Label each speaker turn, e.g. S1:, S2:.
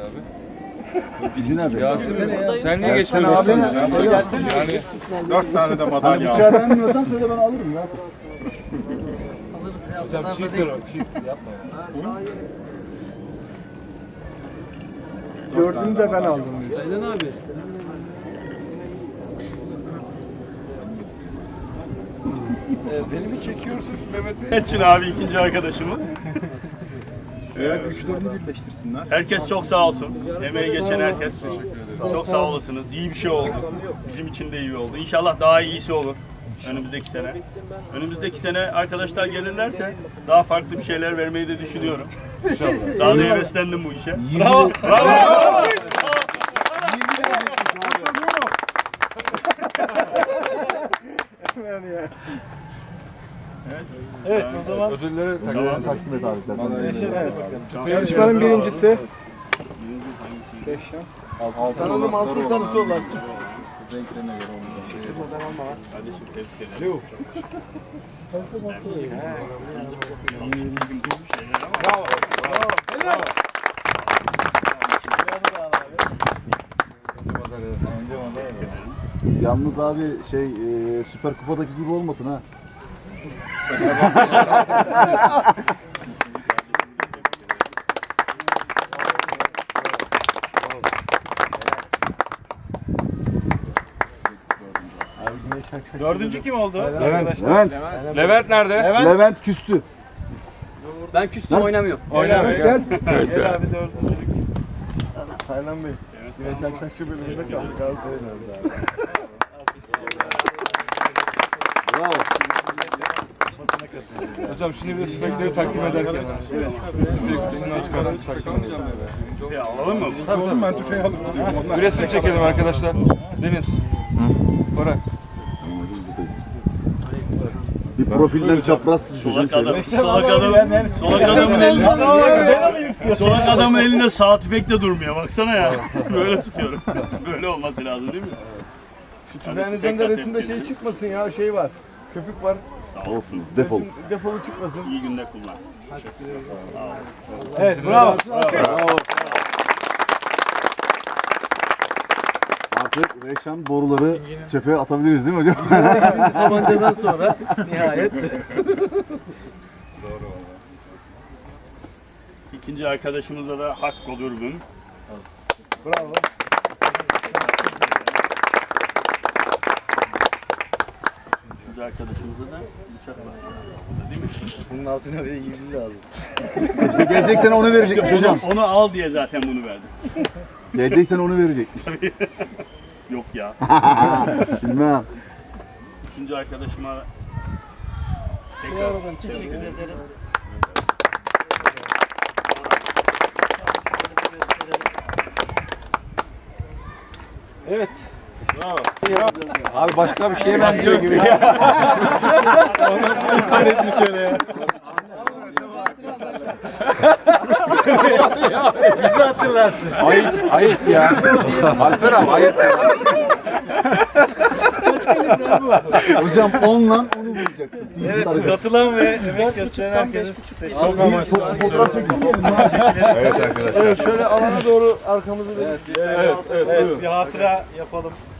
S1: Bilgin abi.
S2: Yasin sen niye geçiyorsun
S1: abi?
S2: Yani
S3: 4 tane de madalya aldım.
S1: Bıçağı beğenmiyorsan söyle ben alırım ya.
S2: hocam çifttir o. Çift yapma ya.
S1: Dördünü de ben aldım.
S2: Aynen abi.
S3: Beni mi çekiyorsunuz Mehmet Bey?
S4: Metin abi ikinci arkadaşımız.
S3: Veya güçlerini birleştirsinler.
S4: Herkes çok sağ olsun. Emeği geçen herkes çok sağ olasınız. İyi bir şey oldu. Bizim için de iyi oldu. İnşallah daha iyisi olur önümüzdeki sene. Önümüzdeki sene arkadaşlar gelirlerse daha farklı bir şeyler vermeyi de düşünüyorum. İnşallah. Daha da heveslendim bu işe. Bravo! Bravo!
S1: Evet o zaman
S2: Ödülleri
S4: Tamam.
S1: takdim et abi.
S2: Yarışmanın
S1: birincisi.
S3: 5
S1: Sanırım altın sarısı olan.
S3: Renklerine göre onu.
S4: Kardeşim tebrik ederim.
S2: Bravo.
S1: Yalnız abi Süper Kupa'daki gibi olmasın ha.
S4: Dördüncü kim oldu?
S2: Levent nerede?
S1: Levent küstü.
S5: Ben küstüm oynamıyorum.
S2: Oynamıyor.
S1: Gel.
S4: Evet.
S1: abi dördüncülük. Taylan Bey. Yine çakçakçı bölümünde kaldık abi. Bravo.
S2: Hocam şimdi bir de tüfekleri takdim ederken. Tüfek sesinden çıkaran takdim edelim.
S4: Alalım mı?
S3: Oğlum ben tüfeği alıp gidiyorum. Onlar
S2: Bir resim çekelim arkadaşlar. Deniz. Bora.
S1: Bir profilden çapraz düşüyorsun.
S4: Solak adamın elinde sağ tüfekle durmuyor. Baksana ya. Böyle tutuyorum. Böyle olması lazım değil mi?
S1: Tüfeğinizden de resimde şey çıkmasın ya, şey var. Köpük var. Olsun, defol. Defolu çıkmasın.
S4: İyi günde kullan.
S1: Evet, bravo. Bravo. Artık Reyşan boruları çöpe atabiliriz değil mi hocam?
S5: 8. tabancadan sonra nihayet.
S4: İkinci arkadaşımıza da Hakko Dürbün.
S1: Bravo.
S4: Üçüncü arkadaşımıza da bıçak var. Değil mi?
S5: Bunun altına bir de yivli lazım.
S1: İşte gelecek sene onu verecekmiş hocam.
S4: Onu al diye zaten bunu verdim.
S1: Gelecek sene onu verecek.
S4: Yok ya.
S1: Bilmem.
S4: Üçüncü arkadaşıma tekrar
S5: Teşekkür ederim.
S1: Evet.
S2: Abi başka bir şeye benziyor gibi.
S5: Bizi hatırlarsın.
S1: Ayıp ya. Alper abi ayıp ya. Hocam onunla onu vuracaksın.
S5: Evet, katılan ve emek gösteren herkese
S1: Çok amaçlı. Fotoğraf çekelim mi?
S3: Evet arkadaşlar.
S1: Evet şöyle alana doğru arkamızı verin.
S5: Evet, bir hatıra yapalım.